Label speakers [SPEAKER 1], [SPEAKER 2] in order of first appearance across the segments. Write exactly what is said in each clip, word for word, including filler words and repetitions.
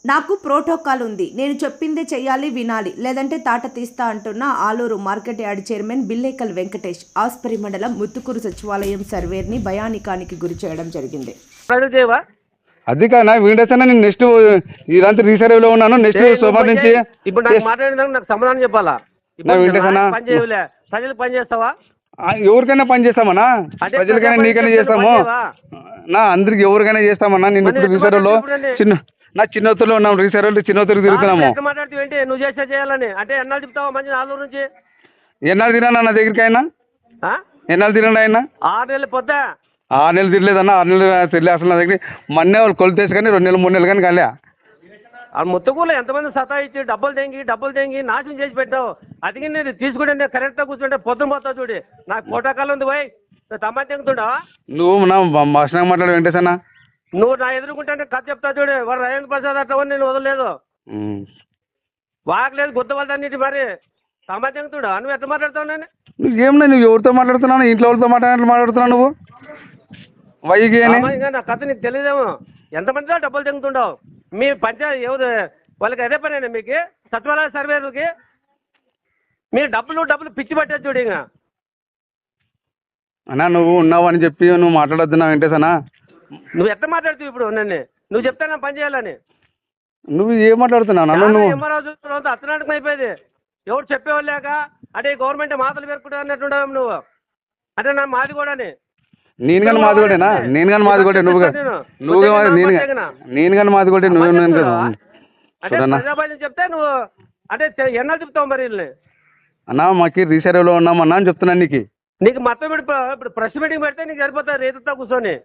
[SPEAKER 1] నాకు ప్రోటోకాల్ ఉంది, నేను చెప్పిందే చెయ్యాలి, వినాలి, లేదంటే తాట తీస్తా అంటున్న Aluru market yard chairman Billekal Venkatesh Aspari మండలం ముత్తుకూరు సచివాలయం సర్వేర్ని భయానికానికి గురి చేయడం జరిగింది.
[SPEAKER 2] అది కానా వీడేసా నేను నెక్స్ట్ ఇదంతా రీసర్వేలో ఉన్నాను. నెక్స్ట్ సోమవారం నుంచి
[SPEAKER 3] ఇప్పుడు నాకు మాట్లాడిన నాకు సమాధానం చెప్పాలా? పని చేయలే ప్రజలు పని చేస్తావా?
[SPEAKER 2] ఎవరికైనా పని చేస్తామన్నా, ప్రజలకైనా నీకైనా చేస్తాము నా, అందరికి ఎవరికైనా చేస్తామన్నా. నేను ఇప్పుడు రీసర్వేలో చిన్న నా చిన్నోతులో ఉన్నాం, రీసర్వేలో చిన్నోతులకు తిరుగుతున్నాము.
[SPEAKER 3] మాట్లాడుతూ ఏంటి నువ్వు చేసే చేయాలని అంటే ఎన్నాళ్ళు చెప్తావా? మంచి ఆలూరు నుంచి
[SPEAKER 2] ఎన్నాళ్ళు తిన్నా నా దగ్గరికి అయినా ఎన్నాళ్ళు తినండి ఆయన
[SPEAKER 3] ఆరు నెలలు పొద్దా
[SPEAKER 2] ఆరు నెలలు తిరలేదన్నా, ఆరు నెలలు తిరలే అసలు నా దగ్గర. మొన్నే వాళ్ళు కొలితేసి కానీ రెండు నెలలు మూడు నెలలు కానీ కాలే.
[SPEAKER 3] ఆ ముత్తకూరులో ఎంతమంది సతా ఇచ్చి డబ్బులు తెంగి డబ్బులు తెంగి నాశనం చేసి పెట్టావు. అదిగి నేను తీసుకుంటే నేను కరెక్ట్గా కూర్చుంటే పొద్దున పోతావు చూడు. నాకు కోటాకాలం ఉంది పోయి తమ్మా తెంగుతుండవా
[SPEAKER 2] నువ్వు నా భాషణంగా మాట్లాడు వెంకటేశన్న.
[SPEAKER 3] నువ్వు నా ఎదుర్కొంటే కథ చెప్తా చూడు. వాడు రాజేంద్ర ప్రసాద్ అట్లా నేను వదలలేదు, వాగలేదు, గుద్దవలదన్నిటి మరి తమ్మా తెంగుతుండా. నువ్వు ఎట్లా మాట్లాడుతావు? నేను
[SPEAKER 2] నువ్వేమన్నా నువ్వు ఎవరితో మాట్లాడుతున్నావు? ఇంట్లో వాళ్ళతో మాట్లాడినట్లు మాట్లాడుతున్నావు నువ్వు. వైకి
[SPEAKER 3] నా కథ నీకు తెలియదేమో. ఎంతమందితో డబ్బులు తెంగుతుండవు మీ పంచాయతీ ఎవరు వాళ్ళకి అదే పనేనా మీకు? సచివాలయ సర్వేలకి మీరు డబ్బులు డబ్బులు పిచ్చి పట్టేది చూడు. ఇంకా
[SPEAKER 2] అన్నా నువ్వు ఉన్నావు అని చెప్పి నువ్వు మాట్లాడొద్దు నా వెంకటేశన్నా.
[SPEAKER 3] నువ్వు ఎట్లా మాట్లాడుతావు ఇప్పుడు? నన్ను నువ్వు చెప్తా నా పని చేయాలని.
[SPEAKER 2] నువ్వు ఏం మాట్లాడుతున్నావు? నువ్వు
[SPEAKER 3] రోజు అత్తనాటకం అయిపోయేది. ఎవరు చెప్పేవాళ్ళు లేక అంటే గవర్నమెంట్ మాటలు పెరుకుంటా అన్నట్టుండవు నువ్వు. అంటే నా మాది కూడా
[SPEAKER 2] నేను కానీ మాది కూడా నేను కానీ మాది కూడా నువ్వు నువ్వు నేను నేను కానీ మాది కూడా నువ్వు
[SPEAKER 3] అంటే ప్రజాపాలన చెప్తే నువ్వు అంటే ఎన్నాళ్ళు చెప్తావు మరి వీళ్ళని?
[SPEAKER 2] అన్నా మాకు రీసర్వేలో ఉన్నామన్నా అని చెప్తున్నాను నీకు.
[SPEAKER 3] నీకు మొత్తం ఇప్పుడు ఇప్పుడు ప్రెస్ మీటింగ్ పెడితే నీకు సరిపోతుంది రేతుతో కూర్చొని.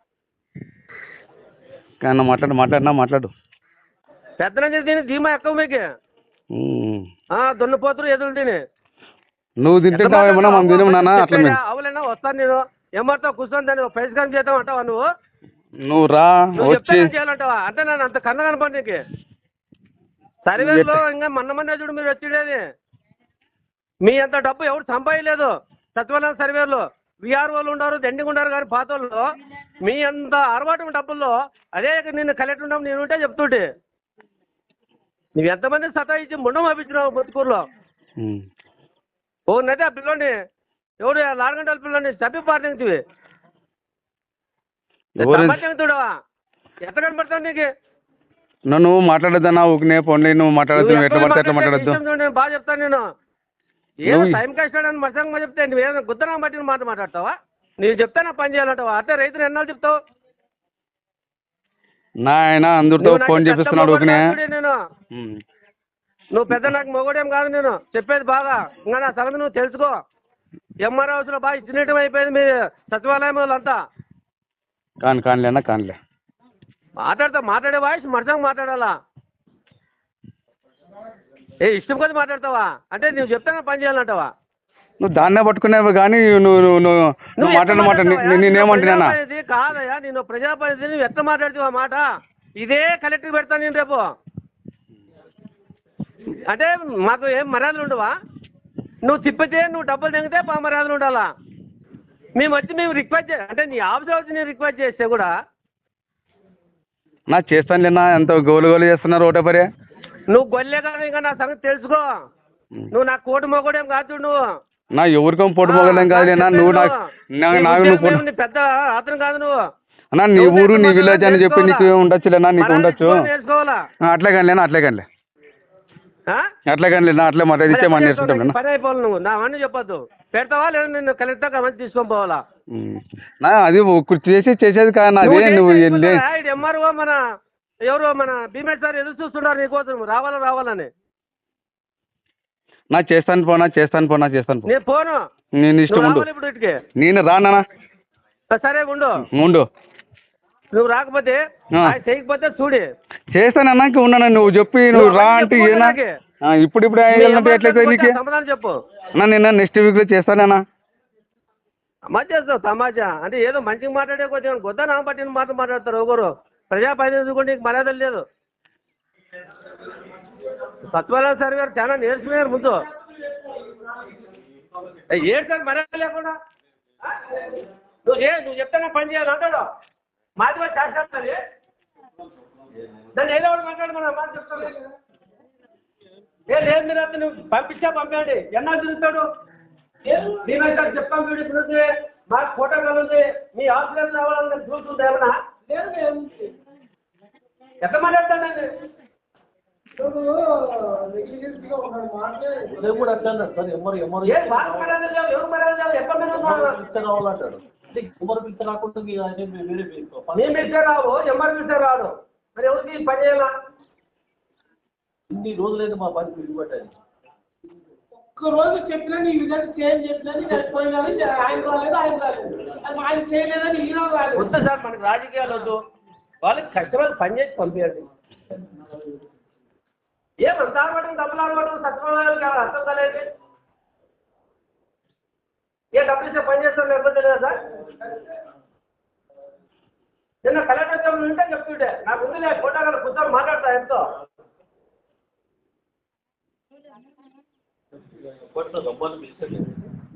[SPEAKER 2] కానీ మాట్లాడు మాట్లాడినా మాట్లాడు.
[SPEAKER 3] పెద్దన తిని ధీమా ఎక్కువ మీకు దున్నపోతురు ఎదురు తిని
[SPEAKER 2] నువ్వు తింటుంటావేమన్నా మనం తినము నాన్న. అట్లా
[SPEAKER 3] అవులేనా వస్తాను నేను ఏమాతో కూర్చొని దాన్ని పరిష్కారం చేద్దాం అంటావా నువ్వు?
[SPEAKER 2] నువ్వు రా వచ్చి
[SPEAKER 3] చేయాలంటావా? అంటే నన్ను అంత కన్న కనపడి నీకు సర్వేలో ఇంకా మొన్న మొన్న చూడు మీరు వచ్చిండేది. మీ అంత డబ్బు ఎవరు సంపాదలేదు సచివాలయం సర్వేలో. విఆర్ఓలు ఉన్నారు, దండిగా ఉన్నారు, కానీ పాత వాళ్ళు మీ అంత అరవాటు డబ్బుల్లో అదే నిన్ను కలెక్టర్ ఉన్నాం నేను ఉంటే చెప్తుంటే నువ్వు ఎంతమంది సతాయించి ముండం పంపించినావు ముత్తుకూరులో. ఓ నది ఆ పిల్లోని ఎవడు ఆరు గంటల పిల్లని చప్పి పాటించివి తెంగుతుడవా? ఎట్లా కనపడతావు నీకు?
[SPEAKER 2] నువ్వు మాట్లాడద్దన్నా ఊరినే పోన్లే. నువ్వు మాట్లాడద్దు, ఎట్లా పడితే ఎట్లా మాట్లాడద్దు.
[SPEAKER 3] నేను బాగా చెప్తాను. నేను ఏదో టైం కష్టాడని మసంగా చెప్తే నువ్వు ఏదో గుద్దనా బట్టి మాట మాట్లాడతావా? నేను చెప్తా నా పని చేయాలంటావా? అంటే రైతులు ఎన్నాళ్ళు చెప్తావు?
[SPEAKER 2] నా ఆయన అందరితో ఫోన్ చేపిస్తున్నాడు ఊరినే.
[SPEAKER 3] నేను నువ్వు పెద్ద నాకు మొగడేం కాదు. నేను చెప్పేది బాగా ఇంకా నా సంగతి నువ్వు తెలుసుకో. ఎంఆర్ హౌస్లో బాగా ఇచ్చినట్టు అయిపోయింది మీ సచివాలయం వాళ్ళంతా.
[SPEAKER 2] కాని కానిలే అన్న కానిలే
[SPEAKER 3] మాట్లాడతా మాట్లాడే వాయిస్ మరసంగా మాట్లాడాలా? ఏ ఇష్టం కొద్ది మాట్లాడతావా? అంటే నువ్వు చెప్తానే పని చేయాలంటావా?
[SPEAKER 2] నువ్వు దాన్నే పట్టుకునేవి కానీ నువ్వు నువ్వు నువ్వు మాట్లాడిన మాట నేనేమంటున్నా
[SPEAKER 3] కాదయ్యా. నేను ప్రజాప్రతినిధి నువ్వు ఎట్లా మాట్లాడుతావు మాట? ఇదే కలెక్టర్ పెడతాను నేను రేపు. అంటే మాకు ఏం మర్యాదలు ఉండవా? నువ్వు తిప్పితే నువ్వు డబ్బులు తెగితే మా మర్యాదలు ఉండాలా? మేము వచ్చి మేము రిక్వెస్ట్ చే అంటే నీ ఆఫీస్ వచ్చి నేను రిక్వెస్ట్ చేస్తే కూడా
[SPEAKER 2] నా చేస్తానులేనా. ఎంత గోలు గోలు చేస్తున్నారు ఒకటే పరే.
[SPEAKER 3] నువ్వు గొల్లే కాదు, ఇంకా నా సంగతి తెలుసుకో. నువ్వు నా కోటి మొగడేం కాదు. నువ్వు
[SPEAKER 2] నా ఎవరికో పొట్టు మొగలేం కాదులేనా. నువ్వు నాకు
[SPEAKER 3] పెద్ద అతను కాదు నువ్వు.
[SPEAKER 2] అన్నా నీ ఊరు నీ విలేజ్ అని చెప్పి నీకు ఉండొచ్చులేనా, నీకు ఉండొచ్చు. అట్లే కానిలేనా అట్లే కానిలే అట్లే కానిలేనా అట్లే మాట ఇచ్చే మాట నేర్చుకుంటాను.
[SPEAKER 3] పని అయిపోవాలి నువ్వు నా అన్నీ చెప్పొద్దు. పెడతావా లేదా నిన్ను కలెక్టర్ మంచి తీసుకొని పోవాలా?
[SPEAKER 2] నా అది చేసి చేసేది కాదు అదే. నువ్వు
[SPEAKER 3] ఎంఆర్ఓ మన ఎవరు మన భీమేష్ సార్ ఎదురు చూస్తున్నారు నీకోసం రావాలా రావాలని.
[SPEAKER 2] నా చేస్తాను పోనా చేస్తాను పోనా చేస్తాను పో.
[SPEAKER 3] నేను పోను.
[SPEAKER 2] నేను ఇష్టం ఉండు.
[SPEAKER 3] ఇప్పుడు ఇటుకి
[SPEAKER 2] నేను రానా?
[SPEAKER 3] సరే ఉండు
[SPEAKER 2] ఉండు.
[SPEAKER 3] నువ్వు రాకపోతే చేయకపోతే చూడి
[SPEAKER 2] చేస్తానన్నా ఉన్నాను. నువ్వు చెప్పి నువ్వు రా అంటే ఏనా ఇప్పుడు ఇప్పుడు ఎట్లయితే నీకు
[SPEAKER 3] సమాధానం చెప్పు.
[SPEAKER 2] అన్నా నేను నెక్స్ట్ వీక్లో చేస్తానన్నా.
[SPEAKER 3] సమాజ చేస్తావు సమాజ అంటే ఏదో మంచిగా మాట్లాడే కొంచెం గొద్ద నా పట్టిన మాట మాట్లాడతారు. ఒకరు ప్రజాప్రతినిధి కూడా నీకు మర్యాదలు లేదు. సచివాలయ సర్వే చాలా నేర్చుకున్నారు ముందు. ఏడు సార్ మర్యాద లేకుండా నువ్వు ఏ నువ్వు చెప్తానే పని చేయాలి అంటాడు. మాది శాస్త్రాలు దాన్ని ఏదో ఒకటి మాట్లాడమని అమ్మ చెప్తాను. ఏ లేదు మీరు అతను పంపించా పంపండి. ఎన్నా తిరుగుతాడు మేమైతే చెప్తాం. వీడు ఇప్పుడు మాకు ఫోటో ఉంది, మీ ఆఫీస్ రావాలని చూస్తుంది ఏమన్నా ఎంత మాట్లాడతానండి.
[SPEAKER 4] కూడా అట్లా సార్ ఎవరు ఎవరు
[SPEAKER 3] ఏ బాగా మర్యాద లేవు, ఎవరు మర్యాద లేవు, ఎక్కడ
[SPEAKER 4] పిచ్చ కావాలంటాడు. ఎవరు పిచ్చ కాకుండా వేరే
[SPEAKER 3] మేము పిచ్చే రావు, ఎవరు పిచ్చే రాదు. మరి ఎవరికి పని చేయాలా?
[SPEAKER 4] ఇన్ని రోజులైతే మా పని విడిపట్టాలి.
[SPEAKER 5] ఒక్క రోజు చెప్పినా నీ విధంగా చేంజ్ చెప్పినా పోయినా ఆయన రాలేదు ఆయన రాలేదు అది ఆయన చేయలేదని ఈ రోజు రాలేదు.
[SPEAKER 3] వద్దు సార్, మనకి రాజకీయాలు వద్దు. వాళ్ళకి కష్టపడి పని చేసి పంపించండి. ఏమంత ఆడబడి డబ్బులు ఆడబడి సత్యనారాయణ గారు అర్థం కాలేదు. ఏ డబ్బులు ఇస్తే పని చేస్తాం లేకపోతే లేదా సార్? నిన్న కలెక్టర్ ఉంటే చెప్తుంటే నాకు ఉంది లేదు ఫోటో కూడా కూర్చొని మాట్లాడతా ఎంతో.
[SPEAKER 4] రమ్మని పిలిచండి.